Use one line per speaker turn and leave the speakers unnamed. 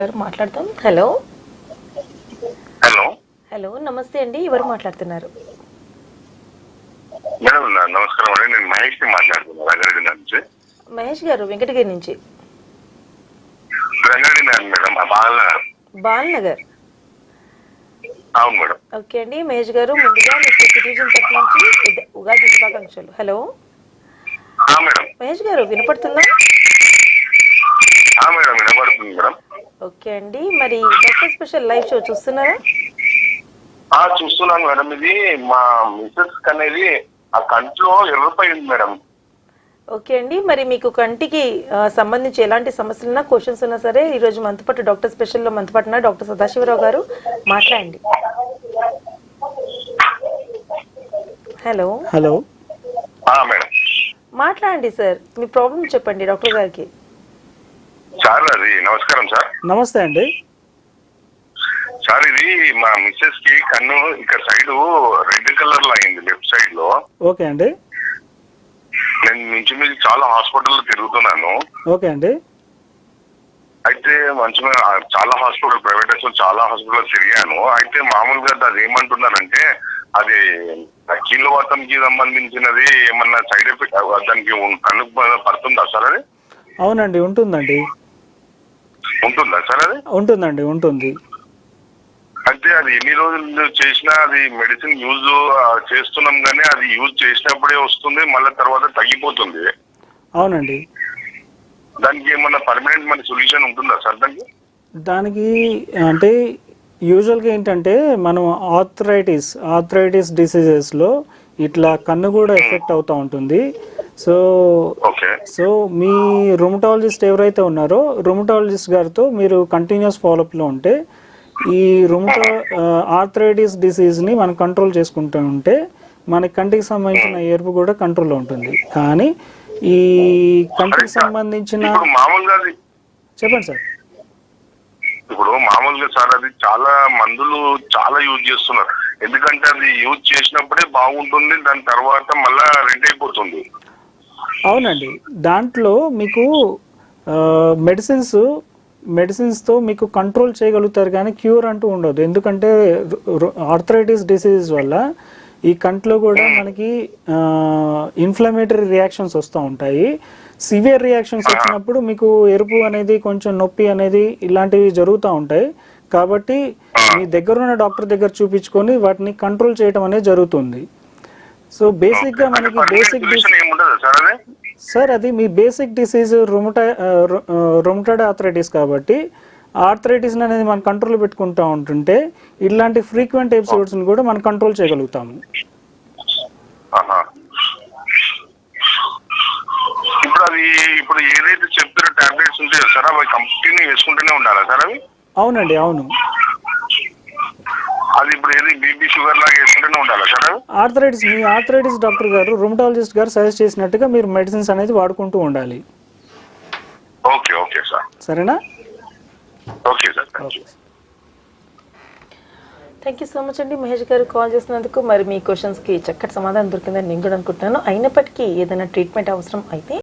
గారు మాట్లాడతాం. Hello
hello
hello నమస్తే అండి, ఎవరు మాట్లాడుతున్నారు?
మేడం నమస్కారం అండి. నేను మహేష్ ని మాట్లాడుతున్నాను రంగారెడ్డి నుంచి.
మహేష్ గారు వెంకటగిరి నుంచి.
రంగారెడ్డి మేడం బాలనగర్.
బాలనగర్.
అవును మేడం.
ఓకే అండి మహేష్ గారు, ముందుగా మీకు సిటిజన్ తరఫు నుంచి ఉగాది శుభాకాంక్షలు. Hello
madam.
మహేష్ గారు వినపడుతుందా?
మేడం వినపడుతుంది మేడం.
ఓకే అండి, మరి డాక్టర్ స్పెషల్ లైవ్ షో చూస్తున్నారా?
చూస్తున్నాను మేడం. ఇది మా మిసెస్ అనేది ఆ కంట్లో ఎర్రపై ఉంది మేడం.
ఓకే అండి, మరి మీకు కంటికి సంబంధించి ఎలాంటి సమస్యలున్నా, క్వశ్చన్స్ ఉన్నా సరే ఈరోజు మనతో పాటు డాక్టర్ స్పెషల్లో మనతో పాటు ఉన్నారు డాక్టర్ సదాశివరావు గారు. మాట్లాడండి. హలో
హలో
మేడం
మాట్లాడండి సార్, మీ ప్రాబ్లం చెప్పండి డాక్టర్ గారికి.
సార్ అది నమస్కారం సార్.
నమస్తే అండి.
సార్ ఇది మా మిస్సెస్ కి కన్ను ఇక్కడ సైడ్ రెడ్ కలర్ లో అయింది, లెఫ్ట్ సైడ్ లో.
ఓకే అండి.
నేను నుంచి మీద చాలా హాస్పిటల్ తిరుగుతున్నాను.
ఓకే అండి.
అయితే మంచిగా చాలా హాస్పిటల్, ప్రైవేట్ హాస్పిటల్ చాలా హాస్పిటల్ తిరిగాను. అయితే మామూలుగా అది ఏమంటున్నారంటే అది కీళ్ళవాతంకి సంబంధించినది, ఏమన్నా సైడ్ ఎఫెక్ట్ దానికి కన్నుకు పడుతుందా సార్? అది
అవునండి, ఉంటుందండి.
ఉంటుందా సార్? అది
ఉంటుందండి, ఉంటుంది.
అంటే అది ఎన్ని రోజులు చేసినా అది మెడిసిన్ యూజ్ చేస్తున్నాం కానీ అది యూజ్ చేసినప్పుడే వస్తుంది, మళ్ళీ తర్వాత తగ్గిపోతుంది.
అవునండి.
దానికి ఏమన్నా పర్మనెంట్ మన సొల్యూషన్ ఉంటుందా సార్ దానికి?
దానికి అంటే యూజువల్గా ఏంటంటే మనం ఆర్థరైటిస్ డిసీజెస్లో ఇట్లా కన్ను కూడా ఎఫెక్ట్ అవుతూ ఉంటుంది. సో మీ రుమటాలజిస్ట్ ఎవరైతే ఉన్నారో రుమటాలజిస్ట్ గారితో మీరు కంటిన్యూస్ ఫాలోఅప్లో ఉంటే ఈ ఆర్థరైటిస్ డిసీజ్ని మనం కంట్రోల్ చేసుకుంటూ ఉంటే మన కంటికి సంబంధించిన ఎరుపు కూడా కంట్రోల్లో ఉంటుంది. కానీ ఈ కంటికి సంబంధించిన చెప్పండి సార్.
ఇప్పుడు మామూలుగా సార్ అది చాలా మందులు చాలా యూజ్ చేస్తున్నారు, ఎందుకంటే అది యూజ్ చేసినప్పుడే బాగుంటుంది, దాని తర్వాత మళ్ళా రెడ్ అయిపోతుంది.
అవునండి, దాంట్లో మీకు మెడిసిన్స్తో మీకు కంట్రోల్ చేయగలుగుతారు కానీ క్యూర్ అంటూ ఉండదు. ఎందుకంటే ఆర్థరైటిస్ డిసీజ్ వల్ల ఈ కంట్లో కూడా మనకి ఇన్ఫ్లమేటరీ రియాక్షన్స్ వస్తూ ఉంటాయి. సివియర్ రియాక్షన్స్ వచ్చినప్పుడు మీకు ఎరుపు అనేది, కొంచెం నొప్పి అనేది ఇలాంటివి జరుగుతూ ఉంటాయి. కాబట్టి మీ దగ్గర ఉన్న డాక్టర్ దగ్గర చూపించుకొని వాటిని కంట్రోల్ చేయడం అనేది జరుగుతుంది. సో బేసిక్గా మనకి సార్ అది మీ బేసిక్ డిసీజ్ రుమటాయిడ్ ఆర్థరైటిస్ కాబట్టి ఆర్థరైటిస్ అనేది మనం కంట్రోల్ పెట్టుకుంటూ ఉంటుంటే ఇలాంటి ఫ్రీక్వెంట్ ఎపిసోడ్స్ని కూడా మనం కంట్రోల్ చేయగలుగుతాము.
ఇప్పుడు ఏదైతే చెప్తారో టాబ్లెట్స్ ఉంటాయో సార్ అవి కంటిన్యూ వేసుకుంటూనే ఉండాలా సార్? అవి
అవునండి, అవును.
అది ఇప్పుడు ఏది బీపీ షుగర్ లాగా వేసుకుంటూనే ఉండాలా సార్?
మీ ఆర్థరైటిస్ డాక్టర్ గారు, రుమటాలజిస్ట్ గారు సజెస్ట్ చేసినట్టుగా మీరు మెడిసిన్స్ అనేది వాడుకుంటూ ఉండాలి.
Okay okay sir.
సరేనా?
Okay sir.
Thank you so much అండి మహేష్ గారు కాల్ చేసినందుకు. మరి మీ క్వశ్చన్స్కి చక్కటి సమాధానం దొరికిందని నేను కూడా అనుకుంటున్నాను. అయినప్పటికీ ఏదైనా ట్రీట్మెంట్ అవసరం అయితే